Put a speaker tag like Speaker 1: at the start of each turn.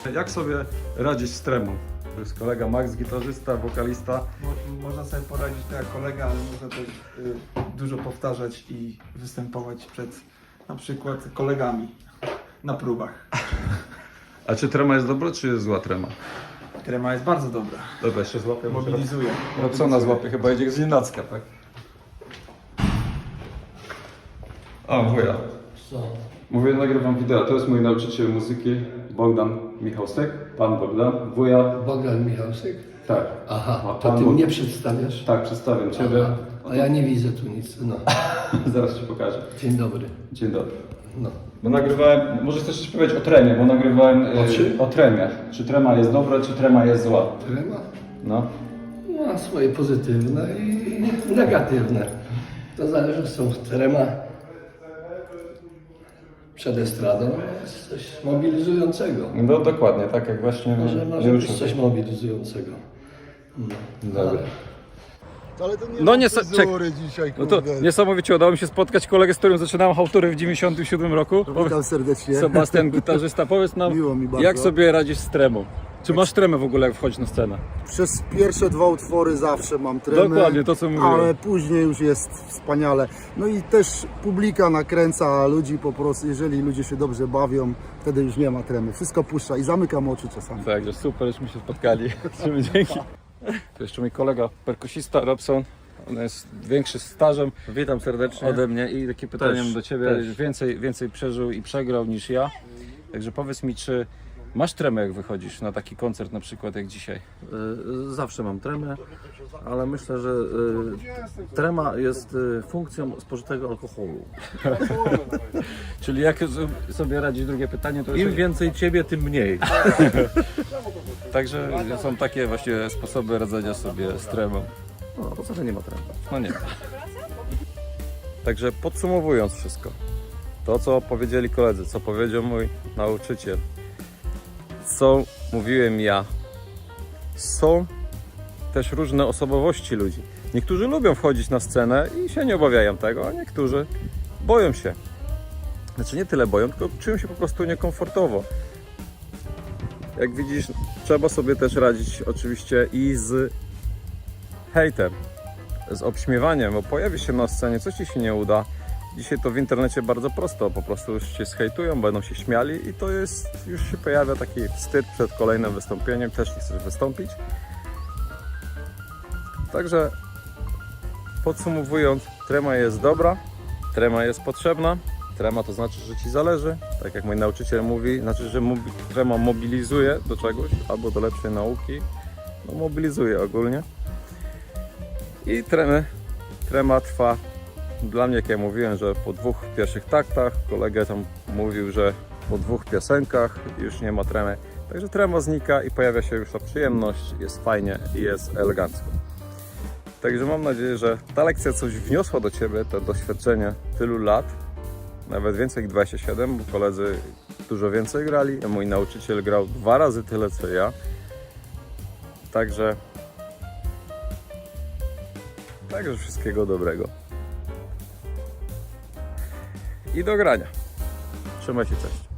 Speaker 1: Jak sobie radzić z tremą? To jest kolega Max, gitarzysta, wokalista.
Speaker 2: Można sobie poradzić tak jak kolega, ale można też dużo powtarzać i występować przed na przykład kolegami na próbach.
Speaker 1: A czy trema jest dobra, czy jest zła trema?
Speaker 2: Trema jest bardzo dobra.
Speaker 1: Dobra, jeszcze złapię.
Speaker 2: Mobilizuje.
Speaker 1: Robsona złapie, chyba jedzie z nienacka, tak? O, wuja.
Speaker 3: Co?
Speaker 1: Mówię, nagrywam wideo. To jest mój nauczyciel muzyki, Bogdan Michałstek. Pan Bogdan. Wuja.
Speaker 3: Bogdan Michałsek?
Speaker 1: Tak.
Speaker 3: Aha,
Speaker 1: A
Speaker 3: to
Speaker 1: pan
Speaker 3: ty
Speaker 1: Bog-
Speaker 3: mnie przedstawiasz?
Speaker 1: Tak, przedstawiam Ciebie.
Speaker 3: Aha, a ja nie widzę tu nic. No.
Speaker 1: Zaraz Ci pokażę.
Speaker 3: Dzień dobry.
Speaker 1: Dzień dobry.
Speaker 3: No.
Speaker 1: Bo nagrywałem, może chcesz coś powiedzieć o tremie, bo nagrywałem
Speaker 3: O czym?
Speaker 1: o tremie. Czy trema jest dobra, czy trema jest zła?
Speaker 3: Trema
Speaker 1: No.
Speaker 3: ma swoje pozytywne i negatywne. To zależy, są trema przed estradą, jest coś mobilizującego.
Speaker 1: No dokładnie, tak jak właśnie
Speaker 3: Może być coś mobilizującego. No.
Speaker 1: Dobra.
Speaker 4: Ale to nie
Speaker 5: No
Speaker 4: ma
Speaker 5: nie,
Speaker 4: fryzury dzisiaj,
Speaker 5: No to
Speaker 4: kurde.
Speaker 5: niesamowicie udało mi się spotkać kolegę, z którym zaczynałem hałtury w 97 roku.
Speaker 4: Witam serdecznie.
Speaker 5: Sebastian, gitarzysta. Powiedz nam,
Speaker 4: Miło mi bardzo.
Speaker 5: jak sobie radzisz z tremą? Czy masz tremę w ogóle, jak wchodzisz na scenę?
Speaker 4: Przez pierwsze dwa utwory zawsze mam tremę.
Speaker 5: Dokładnie, to co mówiłem.
Speaker 4: Ale później już jest wspaniale. No i też publika nakręca ludzi po prostu, jeżeli ludzie się dobrze bawią, wtedy już nie ma tremy. Wszystko puszcza i zamykam oczy czasami.
Speaker 5: Także super, żeśmy się spotkali. Trzymaj, dzięki. To jeszcze mój kolega perkusista Robson. On jest większy stażem
Speaker 1: Witam serdecznie.
Speaker 5: ode mnie i takie pytanie
Speaker 1: Też,
Speaker 5: do Ciebie.
Speaker 1: też.
Speaker 5: Więcej przeżył i przegrał niż ja. Także powiedz mi, czy masz tremę, jak wychodzisz na taki koncert na przykład jak dzisiaj?
Speaker 6: Zawsze mam tremę, ale myślę, że trema jest funkcją spożytego alkoholu.
Speaker 5: Czyli jak sobie radzić, drugie pytanie, to
Speaker 6: Im
Speaker 5: jeszcze...
Speaker 6: więcej ciebie, tym mniej.
Speaker 5: Także są takie właśnie sposoby radzenia sobie z tremą.
Speaker 6: No, poza tym nie ma tremy.
Speaker 5: No nie. Także podsumowując wszystko, to co powiedzieli koledzy, co powiedział mój nauczyciel, co mówiłem ja, są też różne osobowości ludzi. Niektórzy lubią wchodzić na scenę i się nie obawiają tego, a niektórzy boją się. Znaczy nie tyle boją, tylko czują się po prostu niekomfortowo. Jak widzisz, trzeba sobie też radzić oczywiście i z hejtem, z obśmiewaniem, bo pojawi się na scenie, coś Ci się nie uda. Dzisiaj to w internecie bardzo prosto, po prostu już Cię zhejtują, będą się śmiali i to jest, już się pojawia taki wstyd przed kolejnym wystąpieniem, też nie chcesz wystąpić. Także podsumowując, trema jest dobra, trema jest potrzebna, trema to znaczy, że Ci zależy, tak jak mój nauczyciel mówi, znaczy, że trema mobilizuje do czegoś, albo do lepszej nauki, no mobilizuje ogólnie. I trema trwa dla mnie, jak ja mówiłem, że po 2 pierwszych taktach, kolega tam mówił, że po 2 piosenkach już nie ma tremy. Także trema znika i pojawia się już ta przyjemność, jest fajnie i jest elegancko. Także mam nadzieję, że ta lekcja coś wniosła do Ciebie, to doświadczenie tylu lat, nawet więcej jak 27, bo koledzy dużo więcej grali, a mój nauczyciel grał 2 razy tyle co ja. Także wszystkiego dobrego. I do grania. Trzymaj się, cześć.